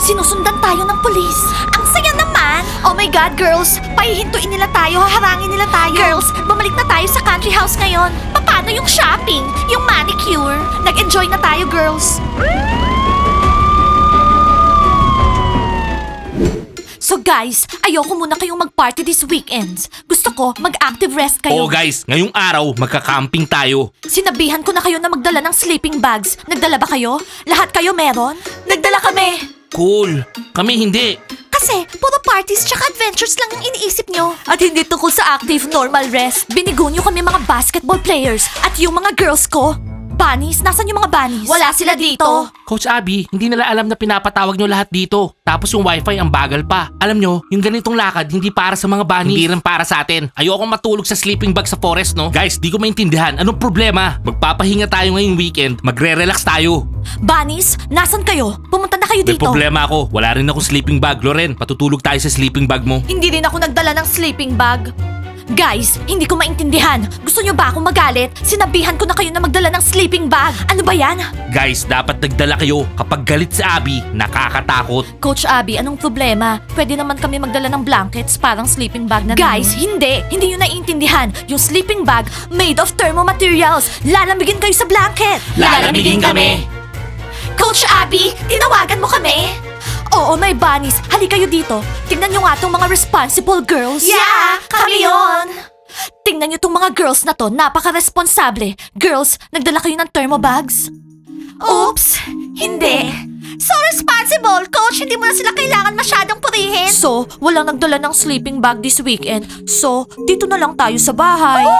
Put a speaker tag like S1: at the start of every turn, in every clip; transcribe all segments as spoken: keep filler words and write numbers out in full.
S1: Sinusundan tayo ng pulis. Ang saya naman! Oh my God, girls! Pahihintuin nila tayo, haharangin nila tayo. Girls, bumalik na tayo sa country house ngayon. Paano yung shopping? Yung manicure? Nag-enjoy na tayo, girls. So guys, ayoko muna kayong mag-party this weekends. Gusto ko mag-active rest kayo.
S2: Oo guys, ngayong araw magka-camping tayo.
S1: Sinabihan ko na kayo na magdala ng sleeping bags. Nagdala ba kayo? Lahat kayo meron? Nagdala kami!
S2: Cool. Kami hindi.
S1: Kasi puro parties tsaka adventures lang yung iniisip nyo. At hindi tungkol sa active normal rest. Binigo nyo kami mga basketball players. At yung mga girls ko. Bunnies? Nasaan yung mga bunnies? Wala sila dito.
S2: Coach Abby, hindi nila alam na pinapatawag nyo lahat dito. Tapos yung wifi ang bagal pa. Alam nyo, yung ganitong lakad hindi para sa mga bunnies. Hindi rin para sa atin. Ayoko matulog sa sleeping bag sa forest, no? Guys, di ko maintindihan. Anong problema? Magpapahinga tayo ngayong weekend. Magre-relax tayo.
S1: Bunnies? Nasaan kayo? Pumunta na kayo
S2: May
S1: dito.
S2: problema ako. Wala rin akong sleeping bag. Loren, patutulog tayo sa sleeping bag mo.
S1: Hindi rin ako nagdala ng sleeping bag. Guys, hindi ko maintindihan. Gusto nyo ba akong magalit? Sinabihan ko na kayo na magdala ng sleeping bag. Ano ba yan?
S2: Guys, dapat nagdala kayo. Kapag galit si Abby, nakakatakot.
S1: Coach Abby, anong problema? Pwede naman kami magdala ng blankets, parang sleeping bag na Guys, hindi! Hindi nyo naiintindihan. Yung sleeping bag made of thermo materials. Lalamigin kayo sa blanket.
S2: Lalamigin kami.
S1: Coach Abby, tinawagan mo kami? Oo, my bunnies. Hali kayo dito. Tingnan nyo nga tong mga responsible girls. Yeah, kami yon. Tingnan nyo tong mga girls na to. Napaka-responsable. Girls, nagdala kayo ng thermo bags? Oops, hindi. So responsible, coach. Hindi mo na sila kailangan masyadong purihin. So, walang nagdala ng sleeping bag this weekend. So, dito na lang tayo sa bahay.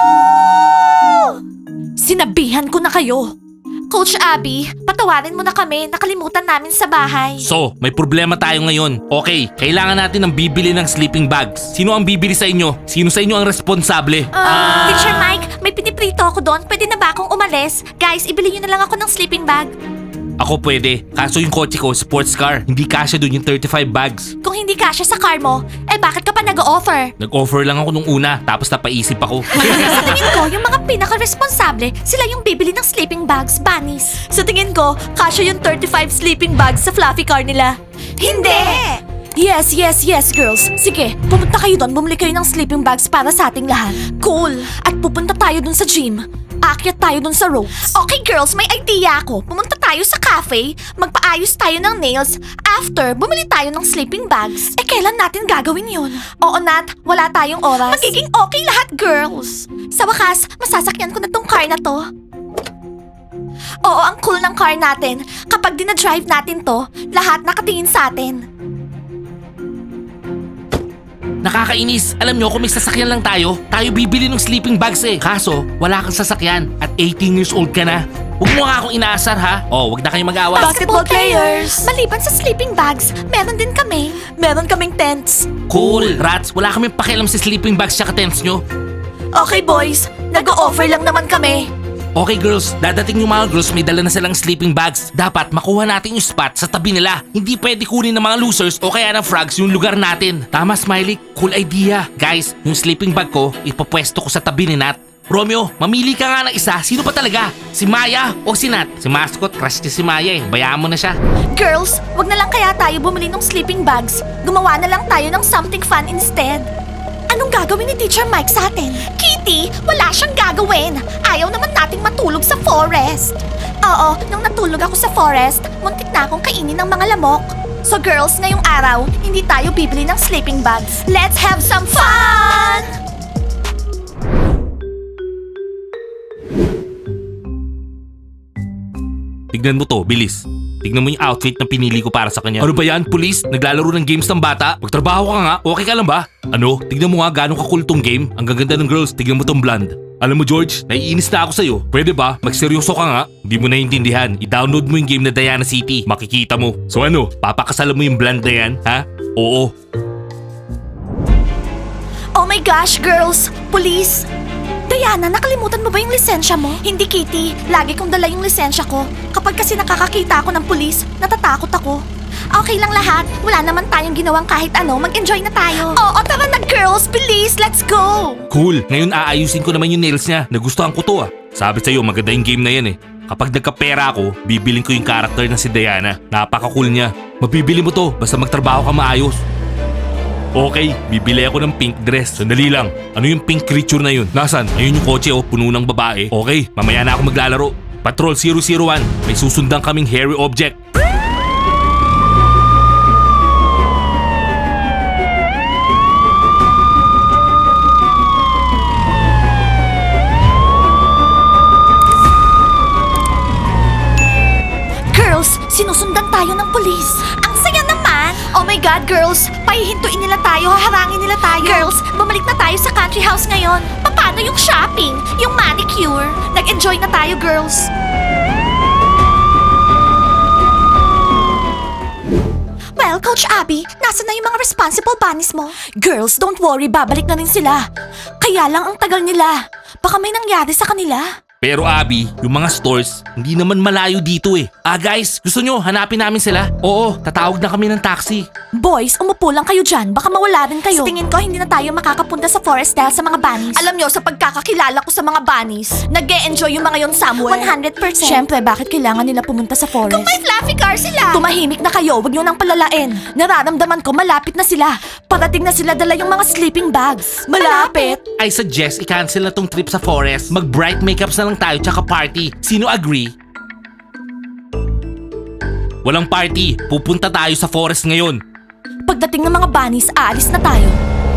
S1: Sinabihan ko na kayo. Coach Abby, patawarin mo na kami. Nakalimutan namin sa bahay.
S2: So, may problema tayo ngayon. Okay, kailangan natin ng bibili ng sleeping bags. Sino ang bibili sa inyo? Sino sa inyo ang responsable?
S1: Ah, Teacher Mike, may piniprito ako doon. Pwede na ba akong umalis? Guys, ibili niyo na lang ako ng sleeping bag.
S2: Ako pwede. Kaso yung kotse ko, sports car. Hindi kasya dun yung thirty-five bags.
S1: Kung hindi kasya sa car mo, eh bakit ka pa nag-o-offer?
S2: Nag-offer lang ako nung una, tapos napaisip ako.
S1: Sa tingin ko, yung mga pinaka-responsable, sila yung bibili ng sleeping bags, bunnies. Sa tingin ko, kasya yung thirty-five sleeping bags sa fluffy car nila. Hindi! Yes, yes, yes, girls. Sige, pumunta kayo doon, bumili kayo ng sleeping bags para sa ating lahat. Cool! At pupunta tayo doon sa gym. Aakyat tayo doon sa ropes. Okay, girls, may idea ako. Pumunta tayo sa cafe, magpaayos tayo ng nails. After, bumili tayo ng sleeping bags. Eh, kailan natin gagawin yun? Oo, Nat. Wala tayong oras. Magiging okay lahat, girls. Sa wakas, masasakyan ko na tong car na to. Oo, ang cool ng car natin. Kapag dinadrive natin to, lahat nakatingin sa atin.
S2: Nakakainis. Alam nyo, kung may sasakyan lang tayo, tayo bibili ng sleeping bags eh. Kaso, wala kang sasakyan at eighteen years old ka na. Huwag mo nga akong inaasar ha. Oh, wag na kayong mag-away.
S1: Basketball players! Maliban sa sleeping bags, meron din kami. Meron kaming tents.
S2: Cool, rats. Wala kaming pakialam sa sleeping bags tsaka tents nyo.
S1: Okay, boys. Nag-o-offer lang naman kami.
S2: Okay girls, dadating yung mga girls may dala na silang sleeping bags. Dapat makuha natin yung spot sa tabi nila. Hindi pwede kunin ng mga losers o kaya ng frogs yung lugar natin. Tama Smiley, cool idea. Guys, yung sleeping bag ko, ipapwesto ko sa tabi ni Nat. Romeo, mamili ka nga ng isa. Sino pa talaga? Si Maya o si Nat? Si Mascot, crush niya si Maya eh. Bayaan mo na siya.
S1: Girls, wag na lang kaya tayo bumili ng sleeping bags. Gumawa na lang tayo ng something fun instead. Anong gagawin ni Teacher Mike sa atin? Kitty, wala siyang gagawin. Ayaw naman nating matulog sa forest. Oo, nung natulog ako sa forest, muntik na akong kainin ng mga lamok. So girls, ngayong araw, hindi tayo bibili ng sleeping bags. Let's have some fun!
S2: Tignan mo to, bilis. Tignan mo yung outfit na pinili ko para sa kanya. Ano ba yan, police? Naglalaro ng games ng bata? Magtrabaho ka nga, okay ka lang ba? Ano? Tignan mo nga gano'ng kakul tong game. Ang gaganda ng girls, tignan mo tong blonde. Alam mo George, naiinis na ako sa'yo. Pwede ba? Magseryoso ka nga. Hindi mo naiintindihan. I-download mo yung game na Diana City. Makikita mo. So ano, papakasalan mo yung blonde na yan, ha? Oo.
S1: Oh my gosh, girls! Police! Diana, nakalimutan mo ba yung lisensya mo? Hindi, Kitty. Lagi kong dala yung lisensya ko. Kapag kasi nakakakita ako ng pulis, natatakot ako. Okay lang lahat. Wala naman tayong ginawang kahit ano. Mag-enjoy na tayo. Oo, tara na girls. Please, let's go!
S2: Cool. Ngayon aayusin ko naman yung nails niya. Nagustuhan ko to ah. Sabi sa'yo, maganda yung game na yan eh. kapag nagkapera ako, bibiling ko yung character na si Diana. Napaka-cool niya. Mabibili mo to, basta magtrabaho ka maayos. Okay, bibili ako ng pink dress. Sandali lang. Ano yung pink creature na yun? Nasaan? Ayun yung kotse oh, puno ng babae. Okay, mamaya na ako maglalaro. Patrol zero zero one, may susundan kaming hairy object.
S1: Girls, sinusundan tayo ng pulis. Ang saya naman! Oh my God, girls! Pahihintuin nila tayo, haharangin nila tayo. Girls, bumalik na tayo sa country house ngayon. Paano yung shopping? Yung manicure? Nag-enjoy na tayo, girls. Well, Coach Abby, nasa na yung mga responsible bunnies mo? Girls, don't worry, babalik na rin sila. Kaya lang ang tagal nila. Baka may nangyari sa kanila.
S2: Pero Abby, yung mga stores, hindi naman malayo dito eh. Ah guys, gusto nyo hanapin namin sila? Oo, tatawag na kami ng taxi.
S1: Boys, umupo lang kayo dyan. Baka mawala rin kayo. Sa tingin ko, hindi na tayo makakapunta sa forest dahil sa mga bunnies. Alam nyo, sa pagkakakilala ko sa mga bunnies, nag-e-enjoy yung mga yon somewhere. one hundred percent. Siyempre, bakit kailangan nila pumunta sa forest? Kung may fluffy car sila! Tumahimik na kayo, wag nyo nang palalain. Nararamdaman ko, malapit na sila. Parating na sila dala yung mga sleeping bags. Malapit?
S2: I suggest i-cancel na tong trip sa forest. Mag-bright makeups na lang tayo tsaka party. Sino agree? Walang party. Pupunta tayo sa forest ngayon.
S1: Pagdating ng mga bunnies, aalis na tayo.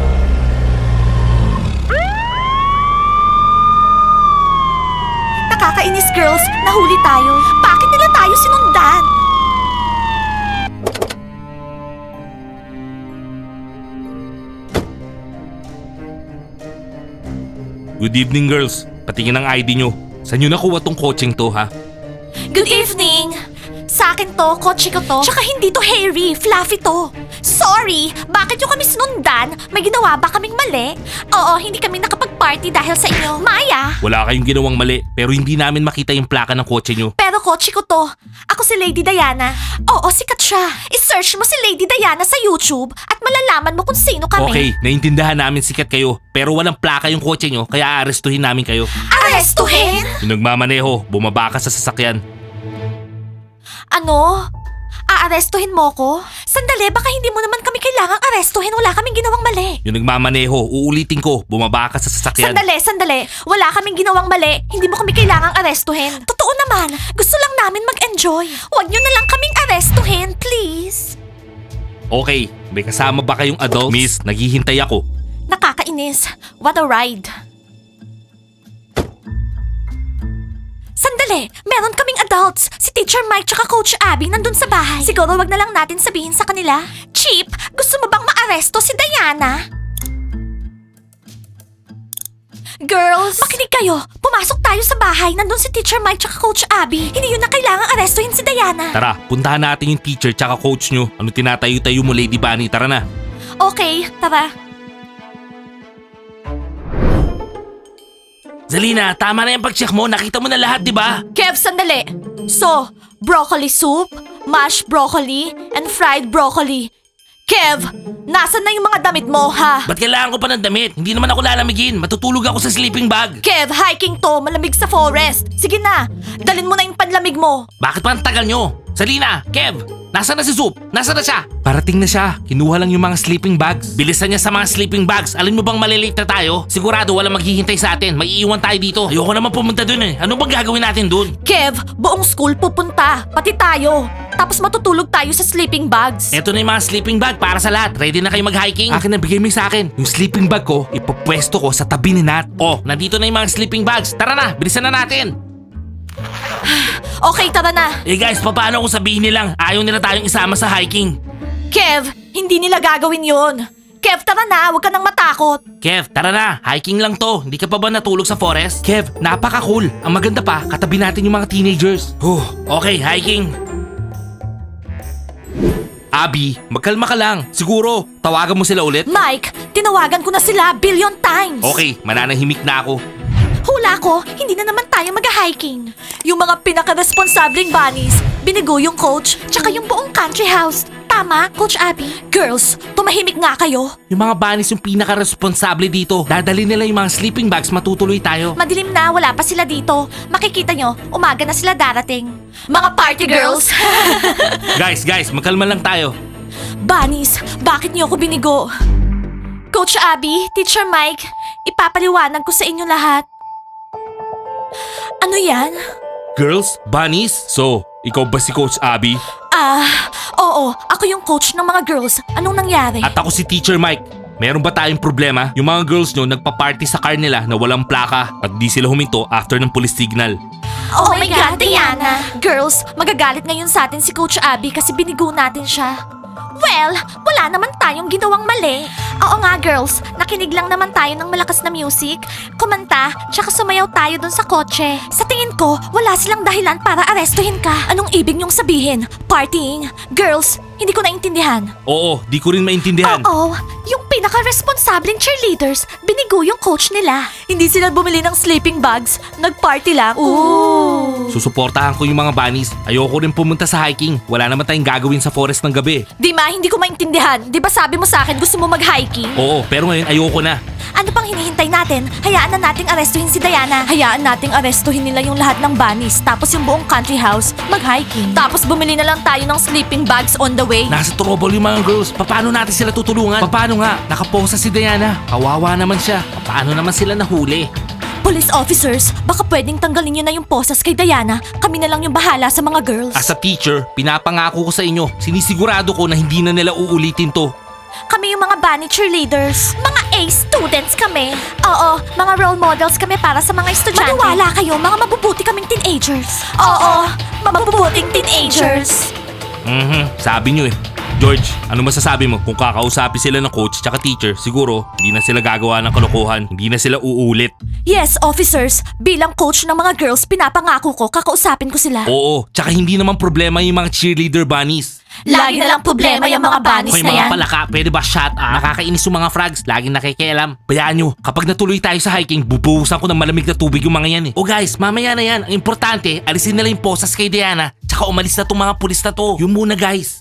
S1: Nakakainis, girls. Nahuli tayo. Bakit nila tayo sinundan?
S2: Good evening girls. Patingin ang I D nyo. Saan nyo nakuha tong coaching to ha?
S1: Good evening! Sa akin to, kotse ko to. Tsaka hindi to hairy, fluffy to. Sorry, bakit yung kami sinundan? May ginawa ba kaming mali? Oo, hindi kami nakapag-party dahil sa inyo. Maya!
S2: Wala kayong ginawang mali pero hindi namin makita yung plaka ng kotse nyo.
S1: Pero kotse ko to. Ako si Lady Diana. Oo, sikat siya. I-search mo si Lady Diana sa YouTube at malalaman mo kung sino kami.
S2: Okay, naintindahan namin sikat kayo pero walang plaka yung kotse nyo kaya aarestuhin namin kayo.
S1: Arestuhin?
S2: Yung nagmamaneho, bumaba ka sa sasakyan.
S1: Ano? Aarestuhin mo ko? Sandali, baka hindi mo naman kami kailangang arestuhin. Wala kaming ginawang mali.
S2: Yung nagmamaneho, uulitin ko, bumaba ka sa sasakyan.
S1: Sandali, sandali. Wala kaming ginawang mali. Hindi mo kami kailangang arestuhin. Totoo naman. Gusto lang namin mag-enjoy. Huwag niyo na lang kaming arestuhin, please.
S2: Okay, may kasama ba kayong adults? Miss, naghihintay ako.
S1: Nakakainis. What a ride. Sandali, meron kaming adults. Si Teacher Mike tsaka Coach Abby nandun sa bahay. Siguro wag na lang natin sabihin sa kanila. Chip, gusto mo bang maaresto si Diana? Girls, makinig kayo. Pumasok tayo sa bahay. Nandun si Teacher Mike tsaka Coach Abby. Hindi yun na kailangang arestuhin si Diana.
S2: Tara, puntahan natin yung teacher tsaka coach nyo. Ano tinatayo-tayo mo, Lady Bunny? Tara na.
S1: Okay, tara.
S2: Zalina, tama na yung pag-check mo. Nakita mo na lahat, di ba?
S1: Kev, sandali. So, broccoli soup, mashed broccoli, and fried broccoli. Kev, nasan na yung mga damit mo, ha?
S2: Ba't kailangan ko pa ng damit? Hindi naman ako lalamigin. Matutulog ako sa sleeping bag.
S1: Kev, hiking to, malamig sa forest. Sige na, dalin mo na yung panlamig mo.
S2: Bakit pa ang tagal nyo? Zalina, Kev, nasaan na si Soup? Nasaan na siya? Parating na siya. Kinuha lang yung mga sleeping bags. Bilisan niya sa mga sleeping bags. Alam mo bang malilate na tayo? Sigurado walang maghihintay sa atin. May iiwan tayo dito. Ayoko naman pumunta dun eh. Ano bang gagawin natin dun?
S1: Kev, buong school pupunta. Pati tayo. Tapos matutulog tayo sa sleeping bags.
S2: Eto na yung mga sleeping bag para sa lahat. Ready na kayo mag-hiking? Akin na, bigay mo yung sa akin. Yung sleeping bag ko, ipopwesto ko sa tabi ni Nat. Oh, nandito na yung mga sleeping bags. Tara na, bilisan na natin.
S1: Okay, tara na.
S2: Eh guys, paano kung sabihin nilang ayaw nila tayong isama sa hiking?
S1: Kev, hindi nila gagawin yon. Kev, tara na. Huwag ka nang matakot.
S2: Kev, tara na. Hiking lang to. Hindi ka pa ba natulog sa forest? Kev, napaka-cool. Ang maganda pa, katabi natin yung mga teenagers. Huh, okay, hiking. Abby, magkalma ka lang. Siguro, tawagan mo sila ulit?
S1: Mike, tinawagan ko na sila billion times.
S2: Okay, mananahimik na ako.
S1: Hula ko, hindi na naman tayo mag-hiking. Yung mga pinaka-responsableng bunnies, binigo yung coach, tsaka yung buong country house. Tama, Coach Abby. Girls, tumahimik nga kayo.
S2: Yung mga bunnies yung pinaka-responsable dito. Dadali nila yung mga sleeping bags, matutuloy tayo.
S1: Madilim na, wala pa sila dito. Makikita nyo, umaga na sila darating. Mga party girls!
S2: Guys, guys, magkalma lang tayo.
S1: Bunnies, bakit niyo ako binigo? Coach Abby, Teacher Mike, ipapaliwanag ko sa inyo lahat. Ano yan?
S2: Girls, bunnies? So, ikaw ba si Coach Abby?
S1: Ah, oo, ako yung coach ng mga girls. Anong nangyari?
S2: At ako si Teacher Mike. Meron ba tayong problema? Yung mga girls nyo nagpa-party sa car nila na walang plaka at di sila huminto after ng police signal.
S1: Oh, my God, Diana! Girls, magagalit ngayon sa atin si Coach Abby kasi binigo natin siya. Well, wala naman tayong ginawang mali. Oo nga, girls. Nakinig lang naman tayo ng malakas na music, kumanta, tsaka sumayaw tayo dun sa kotse. Sa tingin ko, wala silang dahilan para arestuhin ka. Anong ibig niyong sabihin? Partying? Girls, hindi ko naintindihan.
S2: Oo, di ko rin maintindihan.
S1: Oo, yung pinaka-responsableng cheerleaders, binigo yung coach nila. Hindi sila bumili ng sleeping bags, nag-party lang. Ooh.
S2: Susuportahan ko yung mga bunnies. Ayoko rin pumunta sa hiking. Wala naman tayong gagawin sa forest ng gabi.
S1: Di ma, hindi ko maintindihan. Di ba sabi mo sa akin gusto mo mag-hiking?
S2: Oo, pero ngayon ayoko na.
S1: Ano pang hinihintay natin? Hayaan na nating arestuhin si Diana. Hayaan nating arestuhin nila yung lahat ng bunnies, tapos yung buong country house, mag-hiking. Tapos bumili na lang tayo ng sleeping bags on the way.
S2: Nasa trouble yung mga girls. Paano natin sila tutulungan? Paano nga? Nakaposa si Diana. Kawawa naman siya. Paano naman sila nahuli?
S1: Police officers, baka pwedeng tanggalin nyo na yung posas kay Diana. Kami na lang yung bahala sa mga girls.
S2: As a teacher, pinapangako ko sa inyo, sinisigurado ko na hindi na nila uulitin to.
S1: Kami yung mga bunny cheerleaders. Mga A students kami. Oo, mga role models kami para sa mga estudyante. Maniwala kayo, mga mabubuti kaming teenagers. Oo, mabubuting teenagers.
S2: Mhm, sabi nyo eh. George, ano masasabi mo kung kakausapin sila ng coach tsaka teacher, siguro hindi na sila gagawa ng kalokohan, hindi na sila uulit.
S1: Yes, officers. Bilang coach ng mga girls, pinapangako ko, kakausapin ko sila.
S2: Oo, tsaka hindi naman problema yung mga cheerleader bunnies.
S1: Lagi na lang problema yung mga bunnies
S2: Hoy
S1: na
S2: mga
S1: yan.
S2: palaka, pwede ba shut up? Nakakainis yung mga frogs, laging nakikialam. Bayaan nyo, kapag natuloy tayo sa hiking, bubuhusan ko ng malamig na tubig yung mga yan eh. O guys, mamaya na yan. Ang importante, alisin nila yung posas kay Diana, tsaka umalis na tong mga pulis na to. Yung muna guys.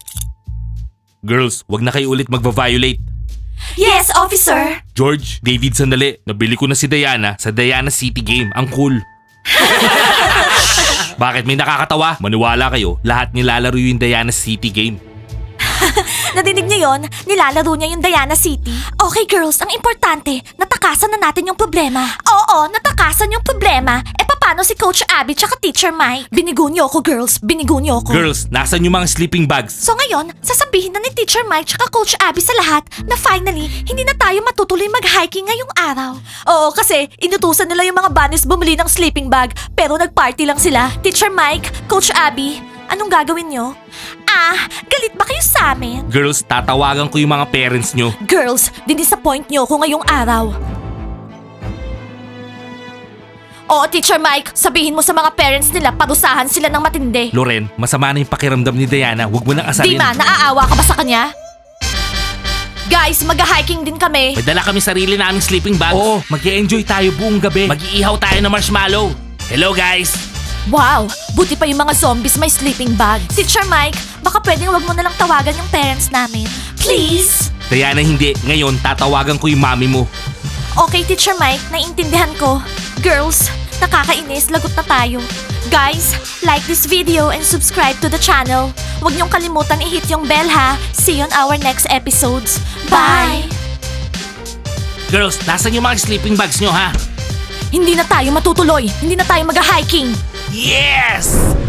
S2: Girls, wag na kayo ulit magva-violate.
S1: Yes, officer.
S2: George, David, sandali. Nabili ko na si Diana sa Diana City Game. Ang cool. Bakit may nakakatawa? Maniwala kayo, lahat nilalaro yung Diana City Game.
S1: Nadinig niyo yon? Nilalaro niya yung Diana City. Okay girls, ang importante, natakasan na natin yung problema. Oo, natakasan yung problema. E paano si Coach Abby tsaka Teacher Mike? Binigo niyo ako girls, binigo niyo ako.
S2: Girls, nasan yung mga sleeping bags?
S1: So ngayon, sasabihin na ni Teacher Mike tsaka Coach Abby sa lahat na finally, hindi na tayo matutuloy mag-hiking ngayong araw. Oo, kasi inutusan nila yung mga bunnies bumili ng sleeping bag, pero nag-party lang sila. Teacher Mike, Coach Abby, anong gagawin nyo? Ah, galit ba kayo sa amin?
S2: Girls, tatawagan ko yung mga parents nyo.
S1: Girls, dinisappoint nyo ako ngayong araw. Oo, Teacher Mike, sabihin mo sa mga parents nila parusahan sila ng matindi.
S2: Loren, masama na yung pakiramdam ni Diana. Huwag mo nang asarin.
S1: Dima, naaawa ka ba sa kanya? Guys, mag-hiking din kami.
S2: May dala kami sarili naming sleeping bags. Oo, mag-enjoy tayo buong gabi. Mag-iihaw tayo ng marshmallow. Hello guys!
S1: Wow, buti pa yung mga zombies may sleeping bag. Teacher Mike, baka pwedeng wag mo na lang tawagan yung parents namin. Please?
S2: Diana, hindi. Ngayon, tatawagan ko yung mami mo.
S1: Okay, Teacher Mike, naiintindihan ko. Girls, nakakainis, lagot na tayo. Guys, like this video and subscribe to the channel. Huwag niyong kalimutan i-hit yung bell ha. See you on our next episodes. Bye!
S2: Girls, nasan yung mga sleeping bags nyo ha?
S1: Hindi na tayo matutuloy. Hindi na tayo mag-hiking.
S2: Yes!